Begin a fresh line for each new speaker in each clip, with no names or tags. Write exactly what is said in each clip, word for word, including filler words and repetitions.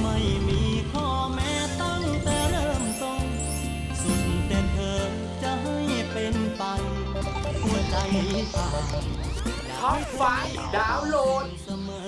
ไม่มีข้อแม้ตั้งแต่เริ่มต้นสุดแต่เธอจะให้เป็นไปหัวใจผ่าน
ท็อปไฟว์ดาวน์โหลด
เสมอ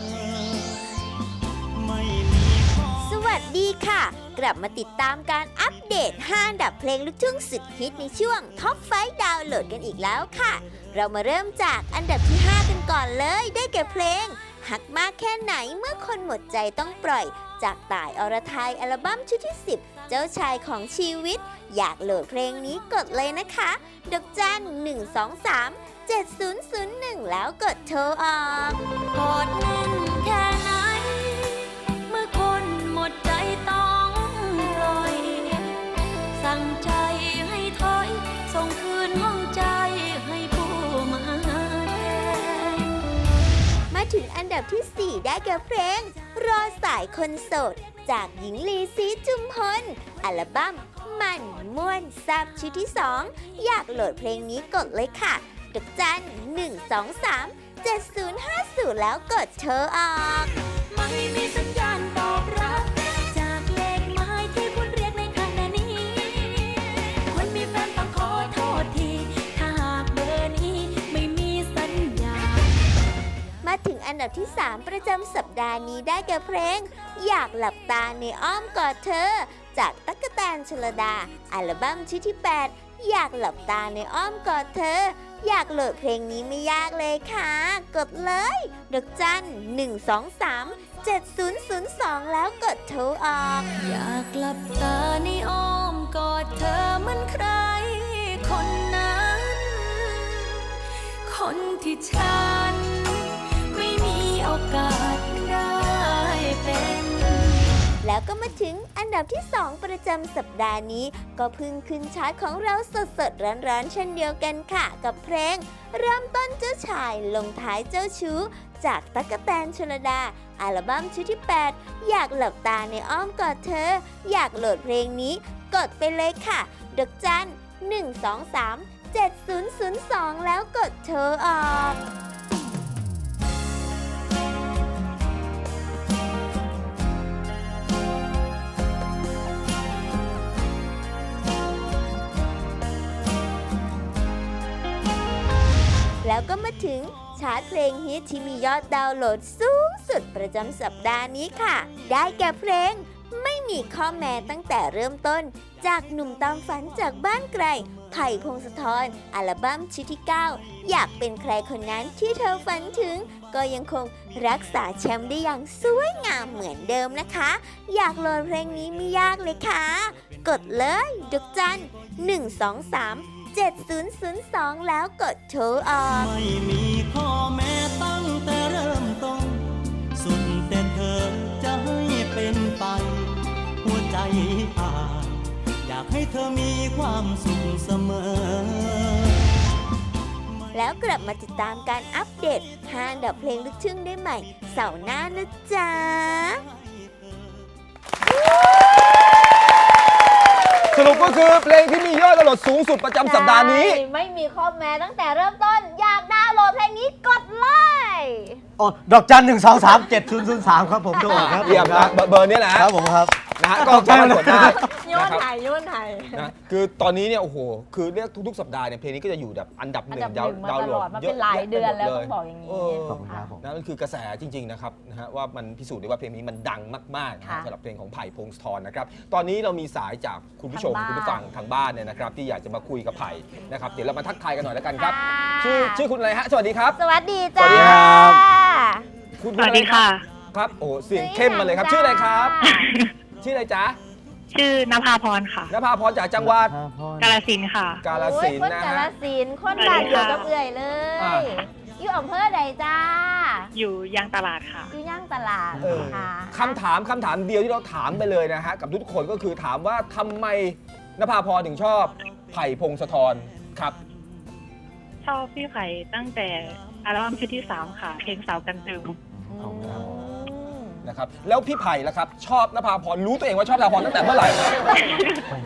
ไม่มีข้อ
สวัสดีค่ะ กลับมาติดตามการอัปเดตห้าอันดับเพลงลูกทุ่งสุดฮิตในช่วงท็อปไฟว์ดาวน์โหลดกันอีกแล้วค่ะ เรามาเริ่มจากอันดับที่ห้ากันก่อนเลยได้แก่เพลงหักมากแค่ไหนเมื่อคนหมดใจต้องปล่อยจากต่ายอรไทยอัลบั้มชุดที่สิบเจ้าชายของชีวิตอยากโหลดเพลงนี้กดเลยนะคะดอกจันหนึ่ง สอง สาม เจ็ด ศูนย์ ศูนย์ หนึ่งแล้วกดโทรออกกดแน่นแค่ไหนเมื่อคนหมดใจต้องปล่อยสั่งใจให้ถอยส่งคืนห้องใจให้ผู้มาแทนมาถึงอันดับที่สี่ได้แก่เพลงรอสายคนโสดจากหญิงลีศรีจุมพลอัลบั้มมันม่วนแซ่บชุดที่สองอยากโหลดเพลงนี้กดเลยค่ะดอกจันหนึ่ง สอง สาม เจ็ด ศูนย์ ห้า ศูนย์แล้วกดโทรออกไม่มีสัญญาณตอบรับจากเลขหมายที่คุณเรียกในขณะนี้คนมีแฟนต้องขอโทษทีถ้าหากเบอร์นี้ไม่มีสัญญาณมาถึงอันดับที่สามประจำสัปดาห์นี้ได้แก่เพลงอยากหลับตาในอ้อมกอดเธอจากตั๊กแตนชลดาอัลบั้มชุดที่แปดอยากหลับตาในอ้อมกอดเธออยากโหลดเพลงนี้ไม่ยากเลยค่ะกดเลยดอกจันหนึ่ง สอง สาม เจ็ด ศูนย์ ศูนย์ สองแล้วกดโทรออกอยากหลับตาในอ้อมกอดเธอเหมือนใครคนนั้นคนที่ฉันไม่มีโอกาสได้เป็นแล้วก็มาถึงอันดับที่สองประจำสัปดาห์นี้ก็เพิ่งขึ้นชาร์ตของเราสดๆร้อนๆเช่นเดียวกันค่ะกับเพลงเริ่มต้นเจ้าชายลงท้ายเจ้าชู้จากตั๊กแตนชลดาอัลบั้มชุดที่แปดอยากหลับตาในอ้อมกอดเธออยากโหลดเพลงนี้กดไปเลยค่ะดอกจันหนึ่ง สอง สาม เจ็ด ศูนย์ ศูนย์ สองแล้วกดโทรออกแล้วก็มาถึงชาร์ตเพลงฮิตที่มียอดดาวน์โหลดสูงสุดประจำสัปดาห์นี้ค่ะได้แก่เพลงไม่มีข้อแม้ตั้งแต่เริ่มต้นจากหนุ่มตามฝันจากบ้านไกลไผ่พงศธรอัลบั้มชุดที่เก้าอยากเป็นใครคนนั้นที่เธอฝันถึงก็ยังคงรักษาแชมป์ได้อย่างสวยงามเหมือนเดิมนะคะอยากโหลดเพลงนี้ไม่ยากเลยค่ะกดเลยดอกจันหนึ่ง สอง สาม เจ็ด ศูนย์ ศูนย์ สองแล้วกดโทรออก
ไม่มีข้อแม้ตั้งแต่เริ่มต้นสุดแต่เธอจะให้เป็นไปหัวใจอ่านอยากให้เธอมีความสุขเสมอ
แล้วกลับมาติดตามการอัปเดตห้าอันดับเพลงลูกทุ่งได้ใหม่เสาร์หน้านะจ๊ะ
สรุปก็คือเพลงที่มียอดดาวน์โหลดสูงสุดประจำสัปดาห์นี้
ไม่มีข้อแม้ตั้งแต่เริ่มต้นอยากดาวน์โหลดเพลงนี้กดเลย
อ๋อดอกจันหนึ่งสองสามเจ็ดศูนย์ศูนย์สามครับผมโทรครับ
เยี่ยมนะเบอร์นี้แหละ
ครับผมครับ
นะฮะก็สามารถกดได้
โยนไทยโยนไทย
นะคือตอนนี้เนี่ยโอ้โหคือเรียกทุกๆสัปดาห์เนี่ยเพลงนี้ก็จะอยู่แบบอันดับหนึ่งดาวน์โหลด
มาเป็นหลายเดือนแล้วต้องบอกอย่างนี้
ขอบคุณครับผม
นะมันคือกระแสจริงๆนะครับนะฮะว่ามันพิสูจน์ได้ว่าเพลงนี้มันดังมากๆนะสำหรับเพลงของไผ่พงศธรนะครับตอนนี้เรามีสายจากคุณผู้ชมคุณผู้ฟังทางบ้านเนี่ยนะครับที่อยากจะมาคุยกับไผ่นะครับเดี๋ยวเรามาทักทายกันหน่อยแล้วกันครับชื่อชื่อคุณอะไรฮะสวัสดีครับ
สวัสดีจ้า
สวัสดีครับ
สวัสดีค่ะ
ครับโอ้เสียงเข้มมาเลยครับชื่ออะไรครับชื่ออะไรจ๊ะ
ชื่อนภาพรค่ะ
นภาพรจากจังหวัด
กาฬสินธุ์ค่ะ
กาฬสินธุ์นะ
ฮะคนกาฬสินธุ์คนบ้านเดียวกับเอื่อยเลยอยู่อำเภอใดจ้า
อยู่ย่างตลาดค่ะ
อยู่ย่างตลาดค่ะ
คำถามคำถามเดียวที่เราถามไปเลยนะฮะกับทุกคนก็คือถามว่าทำไมนภาพรถึงชอบไผ่พงศธรครับ
ชอบพี่ไผ่ตั้งแต่อัลบั้มชุดที่สามค่ะเพลงสาวกันตึง
นะครับแล้วพี่ไผ่ล่ะครับชอบนภาพรรู้ตัวเองว่าชอบนภาพรตั้งแต่เมื่อไหร่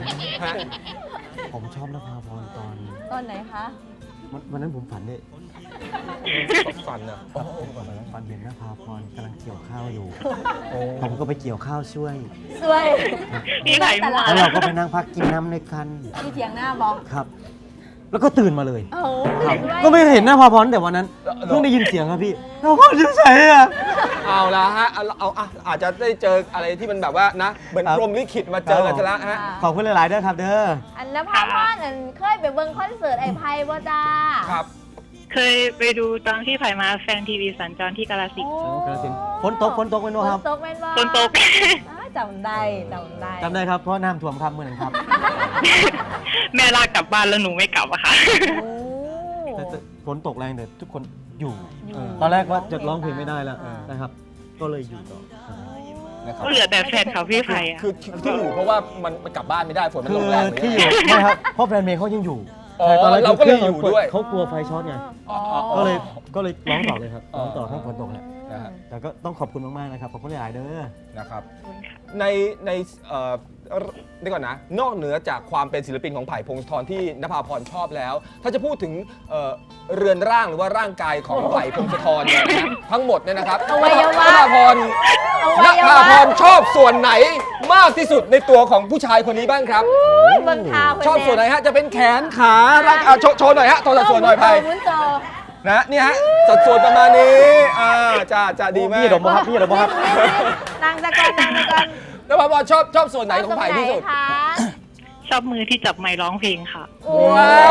ฮะ
ผมชอบนภาพรตอน
ตอนไหนคะ
วันนั้นผมฝันเนี่ย
ฟันนะ
ฟันเห็นนภาพรกำลังเกี่ยวข้าวอยู่ ผมก็ไปเกี่ยวข้าวช่วย
สวย
พี่ไข่มา
แล้วเราก็ไปนั่งพักกินน้ำในกัน
ที่เถียงหน้าบอก
ครับ แล้วก็ตื่นมาเลย
โอ้โห
ครับ
ด้วย
ก็ไม่เห็นนภาพรแต่วันนั้นเพิ่งได้ยินเสียงครับพี่นภาพรอยู่ไหนอะ
เอาละฮะเอาเอาเอาอาจจะได้เจออะไรที่มันแบบว่านะเหมือน
ครับ
พรหมลิขิตมาเจอกันซะแล้วฮะ
ขอบคุณหลายๆด้วยครับเด้อ
อันนภาพรอันเคยไปเบิ่งคอนเสิร์ตไอ้ไพ่บ่จ้า
ครับ
เคยไปดูตอนที่ไผ่มาแฟนทีวีสัญจรที่กาฬสินธุ์
กาฬสินธุ์ฝนตกฝนตกเป็น
ฝ
บ่
น
ครับ
ตกแม่นบ่
ฝนตก
อ้าวจำได้จำได้
จำได้ครับเพราะน้ำท่วมครับเมื่อนั้นครับ
แม่ลากกลับบ้านแล้วหนูไม่กลับอะค่ะ
โอ้
แต่แต่ฝนตกแรงแต่ทุกคนอยู่
อยู่
ตอนแรกว่าจะร้องเพลงไม่ได้แล้ว
อ่า
นะครับ ก็เลยอยู่ต่อ
นะครับ
ก็เหลือแต่แฟนเขาพี่ไผ่อะ
คือที่ที่อยู่เพราะว่ามันมันกลับบ้านไม่ได้ฝนมัน
คื
ล
อง
แรงเลย
ที่อยู่ไม่ครับเพราะแฟนเมย์เขายังอยู่
อ๋อ
ใช่ตอนแรก
เราก็เลยอยู่ด้วย
เขากลัวไฟช็อตไง
อ๋ออ๋ออ๋อ
ก็เลยก็เลยร้องต่อเลยครับ
อ๋อ
ร้องต่อข้างฝนตกแหละ
นะฮะ
แต่ก็ต้องขอบคุณมากๆนะครับขอบคุณหลายๆเด้อ
นะครับในในเอ่อเดี๋ยวก่อนนะ นอกเหนือจากความเป็นศิลปินของไผ่พงศธรที่นภาพรชอบแล้ว ถ้าจะพูดถึงเอ่อเรือนร่างหรือว่าร่างกายของไผ่พงศธรเนี่ยนะทั้งหมดเนี่ยนะครับ
อวัยวะ
นภาพร
อวั
น
ยวะ
ภาพรชอบส่วนไหนมากที่สุดในตัวของผู้ชายคนนี้บ้างครับ
เบิ่งข่าวเพิ่
ชอบส่วนไหนฮะจะเป็นแขนขาร่างอ่ะโชว์โชว์หน่อยฮะโชว์สัดส่วนหน่อยไผ่
มุนโต
นะเนี่ยฮะสัดส่วนประมาณนี้อ่าจะจะดีมาก
พี่ดมบ่ครับพี่ดมบ่ครับ
นางตะกอนนางตะกอน
นภาพรชอบชอบส่วนไหนของไผ่ที่สุด
ชอบตรงไหนคะ
ชอบมือที่จับไมค์ร้องเพลงค่ะ
ว้าว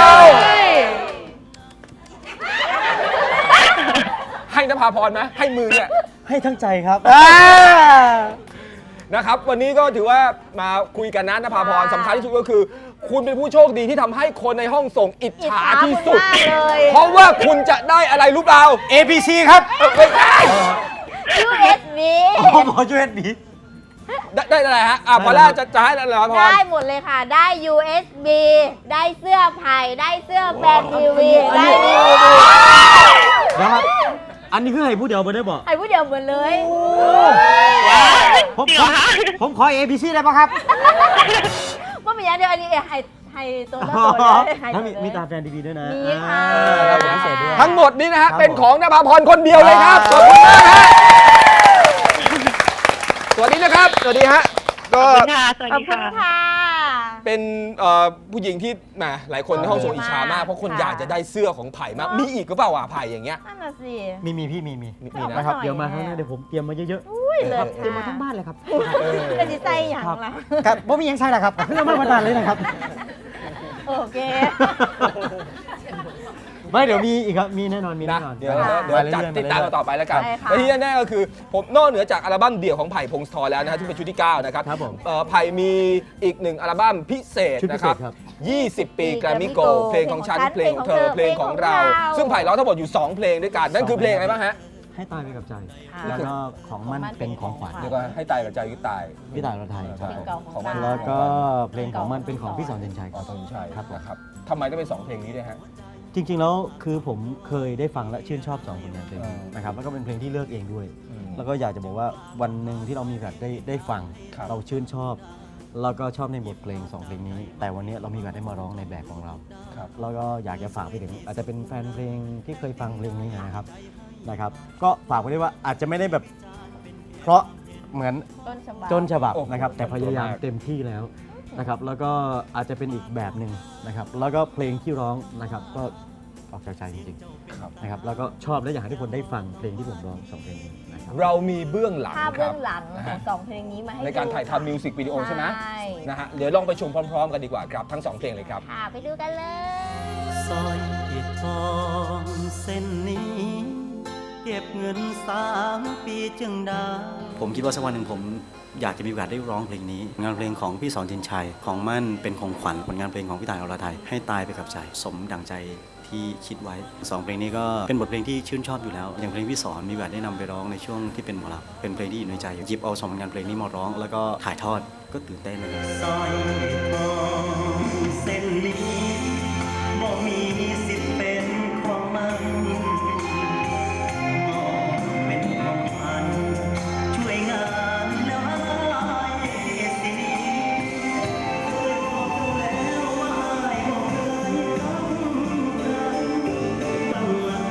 ให้นภาพรไหมให้มือเนี่ย
ให้ทั้งใจครับ
นะครับวันนี้ก็ถือว่ามาคุยกันนะนภาพรสำคัญที่สุดก็คือ คุณเป็นผู้โชคดีที่ทำให้คนในห้องส่งอิจฉาที่สุด
อิจฉาคุณมากเลย
เพราะว่าคุณจะได้อะไรรู้เปล่า
เอ พี ซี ครับ
เออไม่ได้
ยู เอส บี
ผมขอช่วยดี
ได้ได้อะไรฮะอ่ะ
ได้
พอแรกจะจะให้นภาพร
ได้หมดเลยค่ะ ได้ ยู เอส บี ได้เสื้อไผ่ได้เสื้อแฟนทีวี ได้ดีวีดี
นะครับ อันนี้คือให้ผู้เดียวไปได้บอก
ไอ้ผู้เดียวหมดเลย
ผม
จริง
ข
เหร
อ
อคะ
ผมขอ เอ พี ซี ได้ปะครับ
ว่าเป็นอย่างเดียวอันนี้ไฮไฮตัวละตัวเลยไฮ
แล้ว
ตัว
มี
เลย
มีตาแฟนดีๆด้วยนะ
มีค่ะ
อ่าครับผมพิเศษด้วย
ทั้งหมดนี้นะฮะ
ครับ
เป็นของนภาพรคนเดียวเลยครับขอบคุณมากฮะสวัสดีนะครับสวัสดีฮะก็
ขอบคุณค่ะ สวัส
ขอบ
ดี
คุณ
ค่ะ
ค่ะ
เป็นเอ่อผู้หญิงที่แหมหลายคนในห้องส่งอิจฉามากเพราะคน
ค่ะ
อยากจะได้เสื้อของไผ่มาก มีอีกก็เปล่าอ่ะไผ่อย่างเงี้ย
นั่นน่ะสิ
มีมีพี่มีมี
มีมีนะ
นะครับ
หน่อย
เดี๋ยวมา
แน่
ข้างหน้าเดี๋ยวผมเตรียมมาเยอะ
อุ้ยเลิศ
ๆเตรียมมาทั้งบ้านเลยครับ
เป็นจิตใจอย่าง
ครับ
ละ
ครับผมมียังใช่แหละครับเพื่อมาประทานเลยนะครับ
โอเค
ไม่เดี๋ยวมีอีกครับ มีแน่นอน มีแน่
นะ
นอน
เดี๋ยว
ค่ะ
เดี๋ยวจัด
มาเรื่อยๆ
ติดตามกันต่อไปแล้วกัน
ใช่ค่ะ
และที่แน่ๆก็คือผมนอกเหนือจากอัลบั้มเดี่ยวของไผ่พงศธรแล้วนะฮะที่เป็นชุดที่เก้านะครับ
ครับผม
เอ่อไผ่มีอีกหนึ่งอัลบั้มพิเศษ
ชุดพิ
นะ
เศ
ค
ษ
รับ
ครับ
ยี่สิบ ปีแกรมมี่โกลด์เพลงของฉันเพ
เพ
ล
ล
ง
ง
ข
ข
อ
อง ง
เธ
เธ
อ
อ
เพลงของเรา
เพลงของเรา
ซึ่งไผ่ร้องทั้งหมดอยู่สองเพลงด้วยกันนั่นคือเพลงอะไรบ้างฮะ
ให้ตายไปกับใจ
ค่ะ
แล้วก็ของมันเป็นของขวัญ
เดี๋ยวก็ให้ตายกับใจก็ตาย
พี่ต่ายเราไทยครับ
เพลงเก่าของ
มัน
เรา
แล้วก็เพลงของมันเป็นของพี่สอนเจนชัย
อ๋อตอนนี้ใช่
ครับผม
นะครับทำไมต้องเป็นสองเพลงนี้ด้วยฮะ
จริงๆแล้วคือผมเคยได้ฟังและชื่นชอบสองผลงานเพลงนี้
อ่าน
นะครับแล้วก็เป็นเพลงที่เลือกเองด้วย
อืม
แล้วก็อยากจะบอกว่าวันหนึ่งที่เรามีโอกาสได้ได้ฟัง
ครับ
เราชื่นชอบ แล้วก็ชอบในบทเพลงสองเพลงนี้ แต่วันนี้เรามีโอกาสได้มาร้องในแบบของเรา
ครับ
แล้วก็อยากจะฝากไปถึงอาจจะเป็นแฟนเพลงที่เคยฟังเพลงนี้นะครับนะครับ ก็ฝากไว้ด้วยว่าอาจจะไม่ได้แบบ เพราะเหมือน
ต้นฉบับ
จนฉบับ
โอ้โห
นะครับ แต่พยายาม
ขอบคุณมาก
เต็มที่แล้วนะครับ แล้วก็อาจจะเป็นอีกแบบหนึ่งนะครับ แล้วก็เพลงที่ร้องนะครับ ก็ออกจากใจจริง
ครับ
ๆนะครับ แล้วก็ชอบและอยากให้ทุกคนได้ฟังเพลงที่ผมร้องสองเพลงนี้นะครับ
เรามีเบื้องหลัง
ภาพ
ค
เบื้
รั
อบ งหลัง
นะ
ขอ
ฮะ
งสองเพลงนี้มาให้
ในการ
ดู
ถ่ายทำมิวสิกวิดีโอใช่ไหม
ใช่
นะฮะเดี๋ยวลองไปชมพร้อม ๆ กันดีกว่าครับทั้งสองเพลงเลยครับ
ค่ะไปดูกันเลย
สร้อยทองเส้นนี้ เก็บเงินสามปีจึงได้
ผมคิดว่าสักวันหนึ่งผมอยากจะมีโอกาสได้ร้องเพลงนี้งานเพลงของพี่สอนชินชัยของมั่นเป็นของขวัญผลงานเพลงของพี่ต่ายอรไทยให้ตายไปกับใจสมดั่งใจที่คิดไว้สองเพลงนี้ก็เป็นบทเพลงที่ชื่นชอบอยู่แล้วอย่างเพลงพี่สอนมีโอกาสได้นำไปร้องในช่วงที่เป็นหมอลำเป็นเพลงที่อยู่ในใจหยิบเอาสองผลงานเพลงนี้มาร้อง แล้วก็ถ่ายทอดก็ตื่นเต้นเลย
สร้อยทองเส้นนี้บ่มีสิทธิ์เป็นของมันมอบเป็นของขวัญช่วยงานแล้วให้สินีเคยบอกเธอแล้วว่าให้บอกเธอให้รักใครตั้งหลัก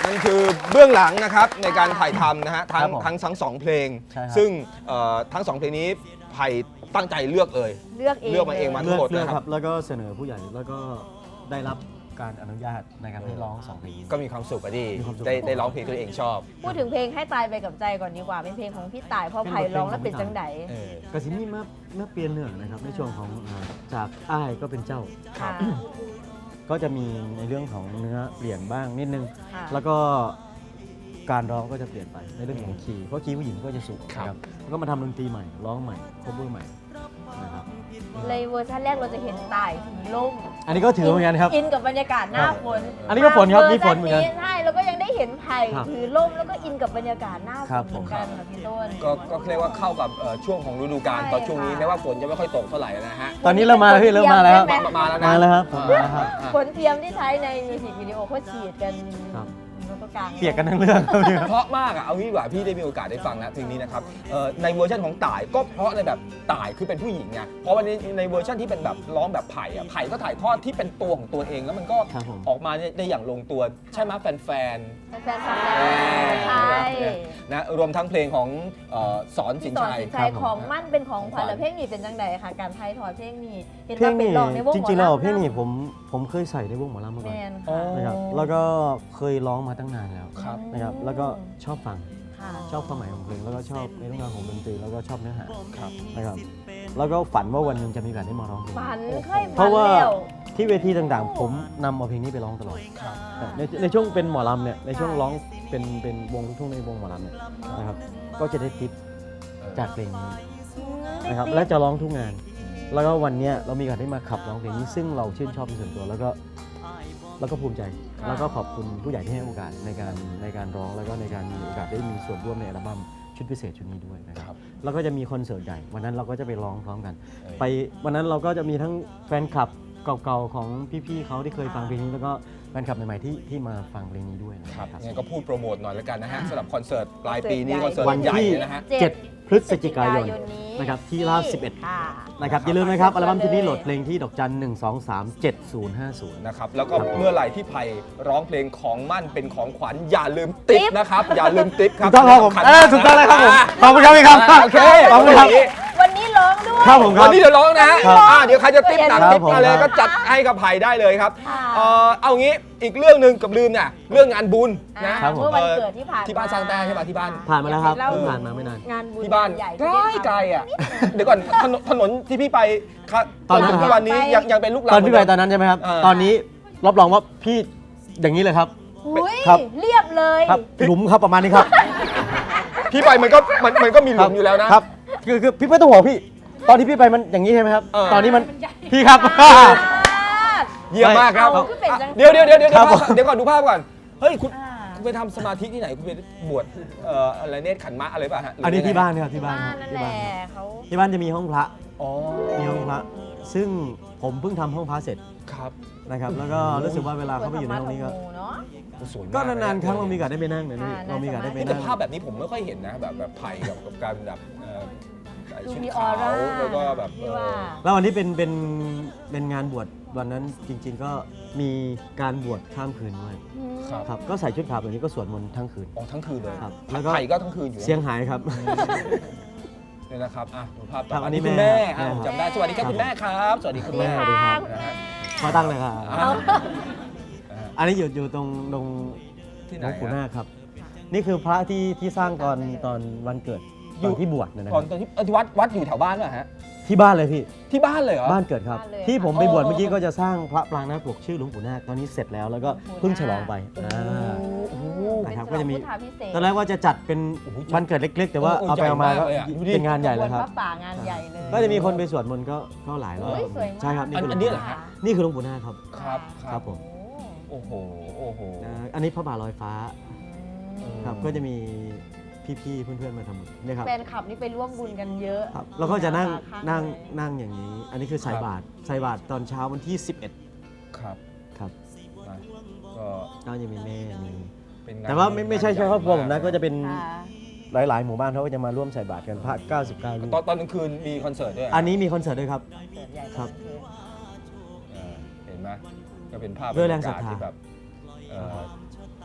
นั่นคือเบื้องหลังนะครับในการถ่ายทำนะฮะทั้
ครั
ง
บผม
ทั้งทั้งสองเพลง
ใช่ครับ
ซึ่งเอ่อทั้งสองเพลงนี้ไผ่ตั้งใจเลือกเลย
เลือกเอง
เลือกมาเองมา
เลือก
ทั้งหมด
เลือก
นะครับ
ครับ แล้วก็เสนอผู้ใหญ่แล้วก็ได้รับการอนุญาตในการให้ร้องสองเพลงนี้
ก็มีความสุขอะดิ
มีความสุข
ได้ได้ร้องเพลงที่ตัวเองชอบ
พูดถึงเพลงให้ตายไปกับใจก่อนดีกว่าเป็นเพลงของพี่ต่ายเพราะไผ่ร้องแล้วเป็นจังได
เออ
กระสินนี่เมื่อเมื่อเปลี่ยนเนื้อนะครับในช่วงของอ่าจากอ้ายก็เป็นเจ้า
ค่ะ
ก็จะมีในเรื่องของเนื้อเปลี่ยนบ้างนิดนึง
ค่ะ
แล้วก็การร้องก็จะเปลี่ยนไปในเรื่องของคีย์เพราะคีย์ผู้หญิงก็จะสูงนะครับแล้วก็มาทำดนตรีใหม่ร้องใหม่คบเบอร์ใหม่นะครับ
เลยเวอร์ชันแรกเราจะเห็นต่ายถือล่ม
อันนี้ก็ถือเหมือนกันครับ
อินกับบรรยากาศหน้าฝน
อันนี้ก็ฝนครับมีฝนเหมือนกัน
ใช่แล้วก็ยังได้เห็นไผ่
ครับ
ถือล่มแล้วก็อินกับบรรยากาศหน้าฝ
ครั
น
บ
เหมือนกันค่ะพี่ต้น
ก็ก็เรียกว่าเข้ากับเอ่อช่วงของฤดูกาล
ใช่
ตอนช่วงนี้
ค่ะ
แม้ว่าฝนจะไม่ค่อยตกเท่าไหร่นะฮะ
ตอนนี้เริ่มมาแล้วพี่เริ่มมาแล้ว
ใช่ไห
มามาแล้วนะ
มาแล้วครับผมมาแล้วครับ
ฝนเทียมที่ใช้ในมิวสิกวิดีโอเขาฉีดกัน
ครับ
แล้วก็กลาง
เปียกกันทั้งเรื่องครับพี่
เพราะมากอ่ะเอางี้ดีกว่าพี่ได้มีโอกาสได้ฟังนะเพลงนี้นะครับเอ่อในเวอร์ชันของต่ายก็เพราะในแบบต่ายคือเป็นผู้หญิงไงเพราะวันนี้ในเวอร์ชันที่เป็นแบบร้องแบบไผ่อ่ะไผ่ก็ถ่ายทอดที่เป็นตัวของตัวเองแล้วมันก็
ครับผม
ออกมาได้อย่างลงตัวใช่ไหมแฟน
แฟนๆฟัง
ๆ
แล้วใช่
นะรวมทั้งเพลงของเอ่อสอนสิ
พี่
น
สอน
ชัย
สินชัย
ครับผม
ของมั่นเป็นของขวัญ
ของขวัญ
แล้วเพลงนี้เป็นจังไดค่ะการไทยถอดเพลงนี้เห็น
เพล
ว่าง เป็น
นี้
ร้องในวง
จริงๆแล้ว
หมอลำ
เพลงนี้ผมผมเคยใส่ในวงหมอลำมา
แม
ก่อน
น
อ๋อ
ค่ะ
นะครับแล้วก็เคยร้องมาตั้งนานแล้ว
ครับ
นะครับแล้วก็ชอบฟัง
ค่ะ
ชอบความหมายของเพลงแล้วก็ชอบในเรื่องราวของดนตรีแล้วก็ชอบเนื้อหา
ครับ
นะครับแล้วก็ฝันว่าวันหนึงจะมีโอกาสได้มาร้องเพลง
ฝันเคย
เพ
ฝัน
ราะว่า
แล้ว
ที่เวทีต่างๆ ผมนำเอาเพลงนี้ไปร้องตลอด
ครับ
ในในช่วงเป็นหมอลำเนี่ยในช่วงร้องเป็นเป็นวงลูกทุ่งในวงหมอลำเนี่ยนะครับก็จะได้ทิปจากเพลงนี้นะครับและจะร้องทุกงาน แล้วก็วันเนี้ยเรามีโอกาสได้มาขับร้องเพลงนี้ซึ่งเราชื่นชอบเป็นส่วนตัวแล้วก็แล้วก็ภูมิใจ แล้วก็ขอบคุณผู้ใหญ่ที่ให้โอกาสในการในการร้องแล้วก็ในการมีโอกาสได้มีส่วนร่วมในอัลบั้มชุดพิเศษชุดนี้ด้วยนะค
ครั
รับบ แล้วก็จะมีคอนเสิร์ตใหญ่วันนั้นเราก็จะไปร้องพร้อมกัน
เออ
ไปวันนั้นเราก็จะมีทั้งแฟนคลับเก่าๆของพี่ๆเขาที่เคยฟังเพลงนี้แล้วก็แฟนคลับใหม่ๆที่ที่มาฟังเพลงนี้ด้วยนะ
ค
ค
รั
รั
บบ งั้นก็พูดโปรโมทหน่อยแล้วกันนะฮะสำหรับคอนเสิร์ตปลายปีนี้
ค
ค
อ
อน น
เสิ
เสิ
ร์
ร์
ต
ตใหญ่เลยนะฮะ
เจ็ดพฤศจิกายน
นี้
นะครับที่ลาดสิบเอ็ด
ค่ะ
นะครับอย่าลืมนะครับอัลบั้มชุดนี้โหลดเพลงที่ดอกจันหนึ่งสองสามเจ็ดศูนย์ห้าศูนย์
นะครับแล้วก็เมื่อไหร่ที่ไผ่ร้องเพลงของมั่นเป็นของขวัญอย่าลืมติ๊บนะครับ อย่าลืมติ๊บครับ
ถูกต้องครับผม
สำคัญ
เออถูกต้องเลยครับผมขอบคุณครับพี่ครับ
อ่าโอเค
ขอบคุณครับ
วันนี้ร้องด้วย
ครับผมค
วั
รั
น
บ
นี้เดี๋ยวร้องนะฮะ
ครับ
อ่าเดี๋ยวใครจะติ๊บหนัก
ครับ
ติ๊บมาเลย
ผมครับ
ก็จัดให้กับไผ่ได้เลยครับ
ค่ะ
เอ่อเอางี้อีกเรื่องหนึ่งกับลืมเนี่ยเรื่องงานบุญนะครับ
ผม
เมื่อวันเกิดที่ผ่าน
ที่บ้านสร้างแต้ใช่ป่ะที่บ้าน
ผ่านมาแล้วครับ
เล่
เพิ่งผ่านมาไม่นาน
งานบุญ
ที่บ้าน
ใหญ่
ใกล้ไกลอ่ะเดี๋ยวก่อนถนนถนนที่พี่ไปครับ
ตอนนั้น
ทุกวันนี้ยังยังเป็นลูก
ต
รัง
อนพี่ไปตอน
เหมื
นั้นใช่ไหมครับ
เออ
ตอนนี้รับรองว่าพี่อย่างนี้เลยครับ
อุ้ย
ครับ
เรียบเลย
ครับหลุมครับประมาณนี้ครับ
พี่ไปมันก็มันมันก็มีหลุมอยู่แล้วนะ
ครับคือคือพี่ไม่ต้องห่วงพี่ ตอนที่พี่ไปมันอย่างนี้ใช่ไหมครับ
เออ
ตอนนี้มันพี่ครับ
เยี่ยมมากครับ
เอาขึ้นเป็นจัง
เดี๋ยวเดี๋ยวเดี๋ยวเดี๋ยว
ครับ
ภาพเดี๋ยวก่อนดูภาพก่อน เฮ้ยคุณ
อ่า
คุณไปทำสมาธิที่ไหนคุณไปบวชเอ่ออะไรเนตรขันธ์มะอะไรป่ะฮะหรื
อันนี้
ยังไง
ที่บ้านครับที่บ้าน
บ้า
คน รับ
นั่น
ที่
แห
บ้า
ละ
นครับ
เขา
ที่บ้านจะมีห้องพระ
อ๋อ
มีห้องพระ ซึ่งผมเพิ่งทำห้องพระเสร็จ
ครับ
นะครับ แล้วก็รู้สึกว่าเวลาเขาไปอยู่ในห้องนี้ก็
เนาะ
สวยม
ก็นานๆครั้งเรามีโอกาสได้ไปนั่งเนี่ย
อ่า
เรามีโอกาสได้ไป
นี่แต่
นั่ง
ภาพแบบนี้ผมไม่ค่อยเห็นนะแบบแบบไผ่กับกับการแบบเอ่อใส่
ดู
ชุด
มีอ
ขา
อ
ว
ร่า
แล้วก็แบบ
ที่
เอ
ว่า
อ
แล้ววันนี้เป็นเป็นเป็นงานบวชวันนั้นจริง ๆ ก็มีการบวชข้ามคืนด้วย
ครับ
ครับก็ใส่ชุดขาวแบบนี้ก็สวดมนต์ทั้งคืน
อ๋อทั้งคืนเลย
ครับแล้วก็
ไผ่ก็ทั้งคืนอยู่นะ
เสียงหายครับ
เนี่ยนะครับอ่ะดูภาพต่อ
ครับ
ไป
อันนี้
คุณแม่
แม่
อ่ะ
ครับ
ผมจำได้สวัสดีครับคุณแม่ครับ สวัสดีคุณแม่
สวัสดีค่ะ
นะฮะ
มาตั้งเลยครับ
อ่านะฮะ
อันนี้อยู่อยู่ตรงตรง
ที่
ห
ไห
ล
น
วงปู่
ฮะ
นาคครับ นี่คือพระที่ที่สร้างตอนตอนวันเกิด
อยู่
ตอนที่บวชนะค
ก่อ
รั
น
บ
ตอนที่เอ่อที่วัดวัดอยู่แถวบ้านป่ะฮะ
ที่บ้านเลยพี่
ที่บ้านเลยเหรอ
บ้านเกิดครับ
บ้านเลย
ที่ผมไปบวช
อ๋อ
เมื่อกี้ก็จะสร้างพระปรางนาคปกชื่อหลวงปู่นาคตอนนี้เสร็จแล้วแล้วก็เพิ่งฉลองไปอ่า
โอ้โห
นะครับ
เป็น
ก็จะมี
พุทธาพิเศษ
ตอนแรกว่าจะจัดเป็น
โอ้โห
วันเกิดเล็ก ๆ แต่ว่า
โอ้โห
เอาไปเอามา
ใหญ่
ก็
มากเลยอะดูดิ
เป็นงานใหญ่แล้วครับ
ขบวนพระป่างานใหญ่เลย
ก็จะมีคนไปสวดมนต์ก็ก็หลายรอบ
เฮ้ยสวยมาก
ใช่ครับนี่
อัน
คือ
อันนี้เหรอฮะ
นี่คือหลวงปู่นาคครับ
ครับ
ครับผม
โอ้โห
โอ้โห โอ้โห
อ่าอันนี้พระบาทลอยฟ้า
อืม
ครับก็จะมีพี่ๆเพื่อนๆมาทำบุญเนี่ยครับ
แฟนคลับนี่ไปร่วมบุญกันเยอะ
ครับแล้วก็จะนั่ง
ข้า
นั่ง
เลย
นั่งอย่างนี้ อันนี้คือใส่บาตรใส่บาตรตอนเช้าวันที่สิบเอ็ด
ครับ
ครับ
นะก็
ก็จะมีแม่มี
เป็นงน
แต่ว่าไม่ไม่ใช่เฉพาะครอบครัวผมนะ
าก
ก็จะเป็น
ค่ะ
หลายๆ หมู่บ้านเขาก็จะมาร่วมใส่บาตรกันพระเก้าสิบเก้ารูป
ตอนตอนกลางคืนมีคอนเสิร์ตด้วย
อันนี้มีคอนเสิร์ตด้วยครับ
คอนเสิร์ตใหญ่
ครับ
เออเห็นไหมก็เป็นภาพ
ด้วยแรงศรัทธา
บยกศที่แบบเอ่อเรี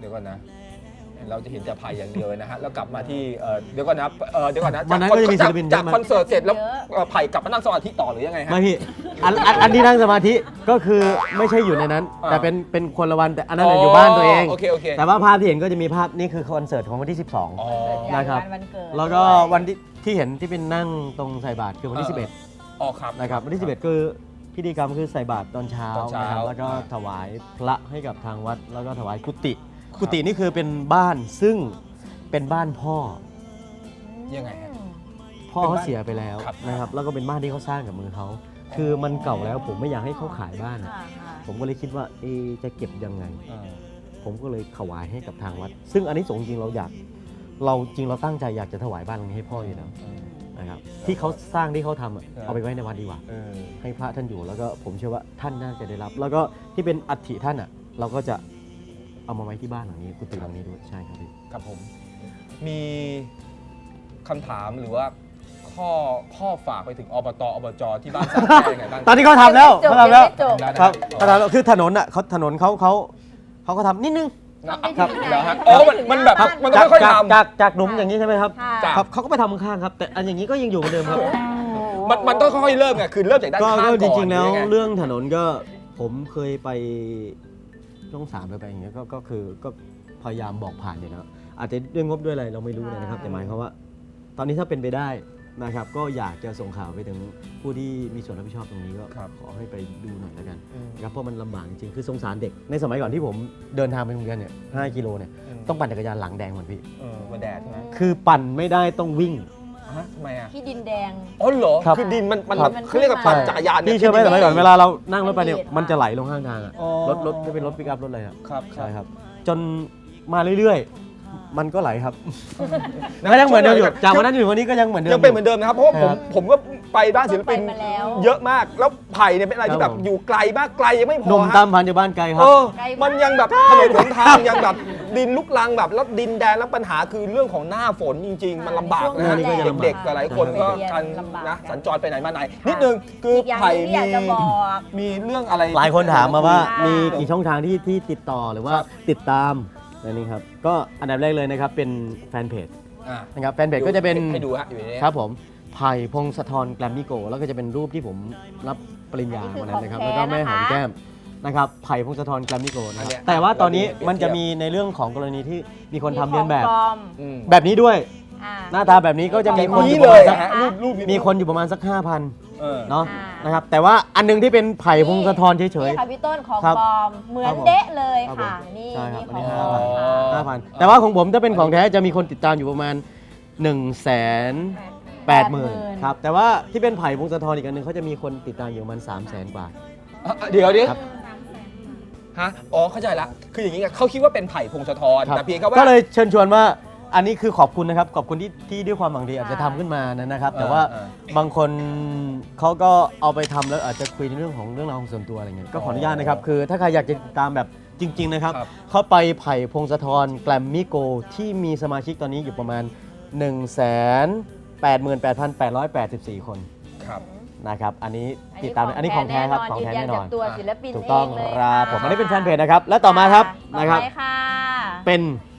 ดี๋ยวก่อนนะ เราจะเห็นแต่ไผ่อย่างเดียวเลยนะฮะแล้วกลับมาที่เอ่อเดี๋ยวก่อนนะเอ่อเดี๋ยวก่อนนะ
วันนั้น
จาก
ก็จะมีศิลปิน
จาก
เยอะมาก
คอนเสิร์ตเสร็จแล้วเอ่อไผ่กลับมานั่งสมาธิต่อหรือยังไงฮะ
ไม่พี่อันอันอันที่นั่งสมาธิก็คือไม่ใช่อยู่ในนั้น
อ่า
แต่เป็นเป็นคนละวันแต่อันนั้นนะอยู่บ้านตัวเอง
โอเคโอเค
แต่ว่าภาพที่เห็นก็จะมีภาพนี่คือคอนเสิร์ตของวันที่ สิบสอง
อ๋อ
นะครับ
วันเกิด
แล้วก็วันที่ที่เห็นที่เป็นนั่งตรงใส่บาตรคือวันที่ สิบเอ็ด
อ๋อครับ
นะครับวันที่ สิบเอ็ดคือพิธีกรรมคือใส่บาตรตอนเช้า
ตอนเช้า
นะครับแล้วก็
อ่า
ถวายพระให้กับทางวัดแล้วก็ถวายกุฏิกุฏินี่คือเป็นบ้านซึ่งเป็นบ้านพ่อ
ยังไงฮะ
พ่อ
เป็น
เขา
บ้าน
เสียไปแล้ว
ครับ
นะครับแล้วก็เป็นบ้านที่เขาสร้างกับมือเขาคือมันเก่าแล้วผมไม่อยากให้เขาขายบ้านอะ
ค่ะค่ะ
ผมก็เลยคิดว่าเอะจะเก็บยังไง
อ่า
ผมก็เลยถวายให้กับทางวัด ซึ่งอันนี้สงส์จริงเราอยากเราจริงเราตั้งใจอยากจะถวายบ้านหลังนี้ให้พ่ออยู่แล้ว
อืม
นะครับที่เขาสร้างที่เขาทำอะ
ครับ
เอาไปไว้ในวัดดีกว่า
เออ
ให้พระท่านอยู่แล้วก็ผมเชื่อว่าท่านน่าจะได้รับ แล้วก็ที่เป็นอัฐิท่านอ่ะ เราก็จะเอามาไว้ที่บ้านหลังนี้กุฏิหลังนี้ด้วยใช่ครับพี่
ครับผมมีคำถามหรือว่าข้อข้อฝากไปถึงอบตอบจที่บ้านสร้างแก้ยังไงบ้าง
ตอนนี้เขาทำแล้ว
จบ
เขาทำแล้ว
ไม่จบ
ครับเขาทำแล้วคือถนนอ่ะเขาถนนเขาเขาเขาก็ทำนิดนึง
นะครับ เหรอฮะอ๋อมันมันแบบมันต้อง
จาก
ค่อยๆ
จาก
ทำ
จากจากหลุมอย่างนี้ใช่ไหมครับ
ค่ะ
จาก
ครับเขาก็ไปทำข้างๆครับ แต่อันอย่างนี้ก็ยังอยู่เหมือนเดิมครับ
มันมันต้องค่อยๆเริ่มไงคือเริ่มจากด้าน
ก็
ข้างก่
ก็
อน
จริงๆแล้ว
หอยัไ
เรื่องถนนก็ผมเคยไปช่องสามไปไปอย่างเงี้ยก็ก็คือก็พยายามบอกผ่านอยู่แล้วอาจจะด้วยงบด้วยอะไรเราไม่รู้เลยนะครับ แต่หมายความว่า ตอนนี้ถ้าเป็นไปได้นะครับ ก็อยากจะส่งข่าวไปถึงผู้ที่มีส่วนรับผิดชอบตรงนี้ก็
ครับ
ขอให้ไปดูหน่อยแล้วกัน
อืม
นะครับเพราะมันลำบากจริงๆคือสงสารเด็กในสมัยก่อนที่ผมเดินทางไปโรงเรียนเนี่ยห้ากิโลเนี่ย
อืม
ต้องปั่นจักรยานหลังแดงเหมือนพี่
เออมาแดดใช่ไหม
คือปั่นไม่ได้ต้องวิ่ง
ฮะทำไมอ่ะ
ที่ดินแดง
อ๋อเหรอ
ครับ
คือดินมันมัน
ครับ
เขาเรียกว่าปั่นจักรยานเนี่ย
พี่เชื่อไหมสมัยก่อนเวลาเรานั่งรถไปเนี่ย
ดีด
มันจะไหลลงข้างทางอะ
อ๋อ
รถรถจะเป็นรถปิกอัพรถอะไรอะ
ครับ
ใช่ครับ จนมาเรื่อยๆ มันก็ไหลครับก็ยังเหมือนเดิมอยู่จากวันนั้นถึงวันนี้ก็ยังเหมือนเดิม
ยังเป็นเหมือนเดิมนะครับเพราะว่าผม
ครับ
ผมก็ไปบ้านศิลปิน
ไปมาแล้ว
เยอะมากแล้วไผ่เนี่ยเป็นอะไรที่
ค
แบ
รับบ ผม
อยู่ไกลมากไกลยังไม่พ
หนุ่
อ
ม
ฮะ
ตามพันจากบ้านไกลครั
เอบ อ
ไกลมาก
มันยังแบบถนนหนทางยังแบบดินลุกลังแบบแล้วดินแดนแล้วปัญหาคือเรื่องของหน้าฝนจริง ๆ มันลำบากนะ
ช่ว
ฮะ
งนี้ก็จะลำบาก
เด็กๆหลายๆคนก็
ไปเรียน
กัน
ลำบาก
นะ
กัน
สัญจรไปไหนมาไหนนิดนึงคือ
อีกอย่างห
ไผ่
นึ่งที่อยากจะบอก
มีเรื่องอะไร
หลายคนถามมาว่า
ค่ะ
มีกี่ช่องทางที่ที่ติดต่อหรือว่า
ครับ
ติดตามอันนี้ครับ ก็อันดับแรกเลยนะครับเป็นแฟนเพจ
อ่ะ
นะครับแฟนเพจก็จะเป็น
ให้ดูฮะอยู่ในนี้
ครับผมไผ่พงศธรแกรมมี่โกแล้วก็จะเป็นรูปที่ผมรับปริญญา
อันนี้คือ
วันนั้นนะครับ
ของ
แล้วก็แม่หอม
แท้นะคะ
แก้มนะครับไผ่พงศธรแกรมมี่โกนะค
อัน
รับ
เนี้ย
แต่ว่าตอนนี้
เราดู
มันจะ
เปรียบ
มีในเรื่องของกรณีที่มีคนทำ
มี
เลียนแบบ
ของปลอม
อืม
แบบนี้ด้วย
อ่า
หน้าตาแบบนี้ก็จะมีคนอ
นี้
ยู่
เล
ประ
ย
มาณสัก
ฮะรูปรูป
มีคนอยู่ประมาณสัก ห้าพัน
เออ
เนาะ
อ่าน
นะครับแต่ว่าอันหนึงที่เป็นไผ่พงศธรเฉย
นี่ค่ะพี่ต้นของ
ครับ
ปลอม เหมือน
ครับผม
เดะเลย
ครับ
ค่ะ
ผม
นี่
ใช่ครับ
นี่
อั
ข
น
อง
นี้
ปลอม
อ๋อ
ค่ะ
ๆห้าพันแต่ว่าของผมถ้าเป็นของแท้จะมีคนติดตามอยู่ประมาณ1นึ่งแสนแปดหมื่นครับแต่ว่าที่เป็นไผ่พงศธรอีกอันหนึงเขาจะมีคนติดตามอยู่ประมาณสามแสนกว่า
อ่ะเดี๋ยวเดี๋ยว
ครับ
ฮะอ๋อเข้าใจละคืออย่างนี้ไงเขาคิดว่าเป็นไผ่พงศธร
ครับ
แต่เพียงแค่ว่า
ก็เลยเชิญชวนว่าอันนี้คือขอบคุณนะครับขอบคุณที่ที่ด้วยความหวังดีอาจจะทำขึ้นมานะครับ แต่ว่า
เออ
บางคนเขาก็เอาไปทำแล้วอาจจะคุยในเรื่องของเรื่องราวของส่วนตัวอะไรเงี้ยก็ขออนุญาตนะครับคือถ้าใครอยากจะติดตามแบบจริง ๆ นะครับ
ครับ
เข้าไปไผ่พงศธรแกรมมี่โกที่มีสมาชิกตอนนี้อยู่ประมาณ 1 8 8 8 8 4 คน
ครับ
นะครับอันนี้ติดตามอันนี้ของแท้ครับของแท้
ยื
แน่
ยั
นอน
จากตัวศิลปิน
ถูกต้อง
เเลย
ครับ
ะ
ผมอันนี้เป็นแฟนเพจนะครับและต่อมาครับ
ต่อ
นะครับ
ไปค่ะ
เป็น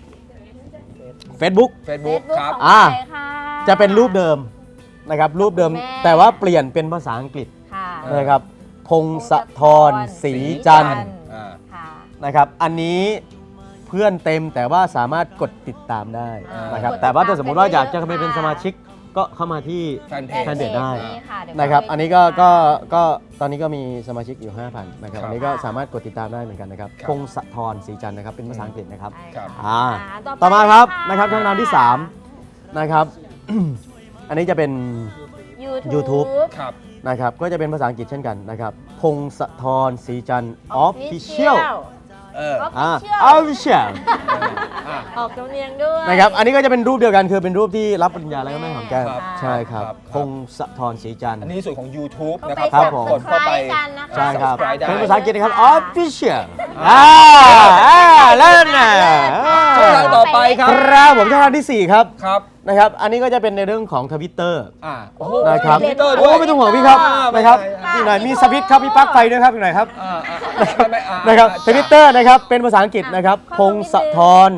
Facebook
Facebook ครับ
ของ
อ่า
ใครค่ะ
จะเป็นรูปเดิมนะครับรูปเดิม
แม่
แต่ว่าเปลี่ยนเป็นภาษาอังกฤษ
ค่ะ
นะครับพงศธรศรีจันทร์
อ่า
ค่ะ
นะครับอันนี้เพื่อนเต็มแต่ว่าสามารถกดติดตามได้
อ่าน
นะครับ
กดติดตาม
แต่ว่าถ้าสมมติว่าอยากจะ
ไปเยอะ
ไปเป็น
ค่ะ
สมาชิกก็เข้ามาที่
แฟนเพ
แฟ
จ
นเพจได้
นี่ค่ะเดี๋ยว
นะครับ
ไป
อันนี้ก็ก็ก็ตอนนี้ก็มีสมาชิกอยู่ ห้าพัน นะครับ
ครับ
อันนี้ก็สามารถกดติดตามได้เหมือนกันนะครับ
ครับ
พงศธรศรีจันทร์นะครับเป็นภาษาอังกฤษนะครับ
ใช่
ครับ
อ่า
ต่
ต่อมาครับ
ไป
นะครับช่องทางที่สามนะครับ อันนี้จะเป็น
YouTube
YouTube
ครับ
นะครับก็จะเป็นภาษาอังกฤษเช่นกันนะครับพงศธรศรีจันทร์ Official
เออ
อ่า
Official
Official
อ่ะ
ออกสำเนียงด้วย
นะครับอันนี้ก็จะเป็นรูปเดียวกันคือเป็นรูปที่รับปริญญาแล้วก็แม่หอมแก้ม
ครับ
ใช่ครับ
ครับ
พงศธรศรีจันทร์
อันนี้ส่วนของ YouTube
เข้า
นะ
ไป
ครับ
ครับผม
กดเข้าไป
subscribe กันนะคะ
ใช่ครับ
subscribe ได้
เป็นภาษาอังกฤษนะครับ
ค่ะ
Official อ่าอ่าแล้วนะ
ช่องทางต่อไปครับ
ครับผมช่องทางที่สี่ครับ
ครับ
นะครับอันนี้ก็จะเป็นในเรื่องของทวิตเตอร์
อ่าโอ้โห
นะครับ
ทวิตเตอร์ด้
โอ้
วย
ไม่ต้องห่วงพี่ครับ
อ่า
นะครับ
ไม่
อีก
เป็นไร
หน่อยมีสวิตช์ครับมีปลั๊กไฟด้วยครับอีกหน่อยครับ
อ่าอ่าไม่ไม่อ่า
นะครับทวิตเตอร์นะครับเป็นภาษาอังกฤษนะครับ
อ่ะ
พงศธร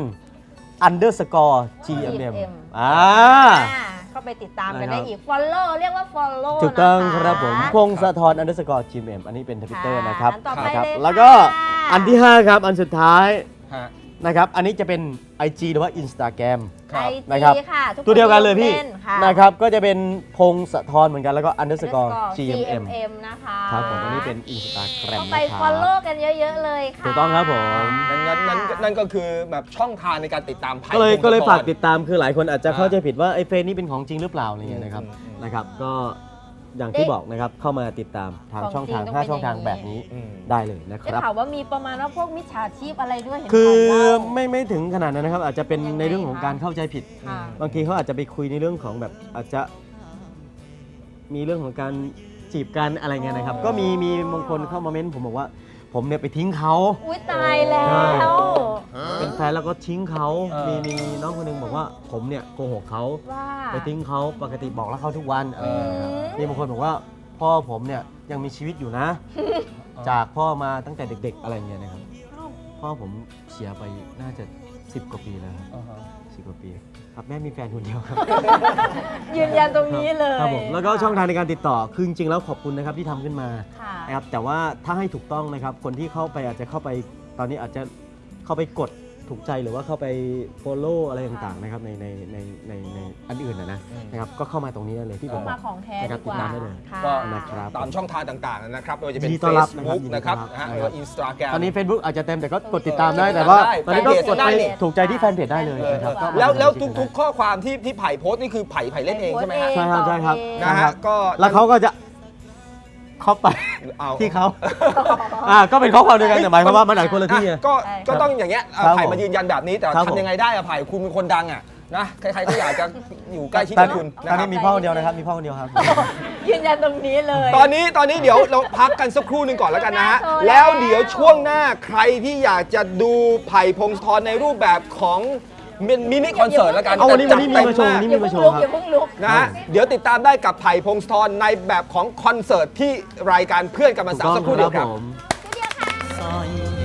underscore gmm อ่า
อ่าเข้าไปติดตามกัน
นะครับ
ได้อีก follow เรียกว่า follow
ถูกต้อง
นะะ
ครับผมพงศธร underscore gmm อันนี้เป็นทวิตเตอร์
ค่ะ
นะครับ
อันต่อไป
นะครับ
เลยค่ะ
แล้วก็อันที่ห้าครับอันสุดท้าย
ฮะ
นะครับอันนี้จะเป็น ไอ จี หรือว่า Instagram
ครับ
ไอ
นะครับ
จีค่ะทุกค
ตัวเดียวกันเลยพี่
นค่ะ
นะครับก็จะเป็นพงศธรเหมือนกันแล้วก็ underscore
underscore
gmm
gmm นะคะ
ครับผมอันนี้เป็น Instagram
เข้าไป
นะครับ
follow กันเยอะๆเลยค่ะ
ถูกต้องครับผม
นั่นนั่นนั่นนั่นก็คือแบบช่องทางในการติดตามไผ่
ก็เลย
พงศธร
ก็เลยฝากติดตามคือหลายคนอาจจะ
อ่า
เข้าใจผิดว่าไอ้เฟซนี่เป็นของจริงหรือเปล่าอะไรเงี้ยนะครับ
อืมอืม
นะครับก็อย่างที่บอกนะครับเข้ามาติดตามทางช่องทางห้าช่องทางแบบนี้
อืม
ได้เลยนะค
ได้
รับ
ข่าวว่ามีประมาณว่าพวกมิจฉาชีพอะไรด้วยเห็น
คือ
ข่าวเล่า
ไม่ไม่ถึงขนาดนั้นนะครับ อาจจะเป็น
ยังไง
ในเรื่องของ
คะ
การเข้าใจผิด
ค่ะ
บางทีเขาอาจจะไปคุยในเรื่องของแบบอาจจะ มีเรื่องของการจีบกันอะไรเงี้ยนะครับ ก็มีมีบางคนเข้ามาเม้นผมบอกว่า ผมเนี่ยไปทิ้งเขา
อุ้ยตายแล้ว
เป็นแฟนแล้วก็ทิ้งเขา
เออ
มีมีน้องคนหนึงบอกว่าผมเนี่ยโกหกเขา
ว่า
ไปทิ้งเขาปกติบอกรักเขาทุกวันอะไรอย่างเงี้ยครับ
อืม
มีบางคนบอกว่าพ่อผมเนี่ยยังมีชีวิตอยู่นะ จากพ่อมาตั้งแต่เด็ก ๆ อะไรอย่างเงี้ยนะครับพ่อผมเสียไปน่าจะสิบกว่าปีแล้วครับ
อ่าฮะ
สิบกว่าปีครับแม่มีแฟนคนเดียวครับ
ยืนยันตรงนี้เลย
ครับผมแล้วก็ช่องทางในการติดต่อคือจริงๆแล้วขอบคุณนะครับที่ทำขึ้นมา
ค่ะ
นะครับแต่ว่าถ้าให้ถูกต้องนะครับคนที่เข้าไปอาจจะเข้าไปตอนนี้อาจจะเข้าไปกดถูกใจหรือว่าเข้าไป follow อะไรต่างๆนะครับในในในในในอันอื่นนะนะ
อืม
นะครับก็เข้ามาตรงนี้ได้เลยที่ผมบ
มา
อก
ของแท้
นะครับ
ดีกว่า
ติดตามได้เลย
ค่ะ
ก็
นะครับ
ตามช่องทางต่างๆนะครับไม่ว่าจะเป็น
ยินดีต้อนรับนะครับ
Facebook
ยินดี
นะครับ
ต้อนรับ
นะฮะห
นะ
รือ
ครับ
ว่า Instagram
ตอนนี้ Facebook อาจจะเต็มแต่ก็กดติดตาม
เออ
ได้แต่ว่า
ได้
ตอนนี้ก็
แฟนเพจ
กด
ได้
ไป
นี่
ถูกใจที่แฟนเพจได้เลยนะครับก็
แล้วแล้ว
มา
ทุกๆข้อความที่ที่ไผ่โพสต์นี่คือไผ่ไผ่เล่นเองใช่ไหมฮะ
ใช่ครับใช่ครับ
นะฮะก็
แล้วเขาก็จะเข้าไป
เอา
ที่เขาอ่าก็เป็นข้อความเดียวกันแต่หมายความว่ามันอาจคนละที่ไง
ก็
ใช่
ก็ต้องอย่างเงี้ยเอา
ครับ
ไผ่
ผม
มายืนยันแบบนี้แต่
ครับผม
ทำยังไงได้อะไผ่คุณเป็นคนดังอ่ะนะใครๆก็อยากจะอยู่ใกล้ชิด
ตอน
กับ
นี้
คุณ
ต
นะ
อน
ครั
นี้
บ
มีพ่อคนเดียวนะครับมีพ่อคนเดียวครับ
ยืนยันตรงนี้เลย
ตอนนี้ตอนนี้เดี๋ยวเราพักกันสักครู่หนึ่งก่อนแล้วกันนะฮะ
โชว์แล้ว
แล้วเดี๋ยวช่วงหน้าใครที่อยากจะดูไผ่พงศธรในรูปแบบของมินิคอนเสิร์ตแล้วกัน
เอาวันนี้
แต่
วันนี้
จัด
มีมาโชว์
เต็
นี่
อย่าเพิ่งลุกอย่าเพิ่งลุก
นะฮะเดี๋ยวติดตามได้กับไผ่พงศธรในแบบของคอนเสิร์ตที่รายการเพื่อนกันมาสาวสักครู่เดียวครับ
ผม
สร้อย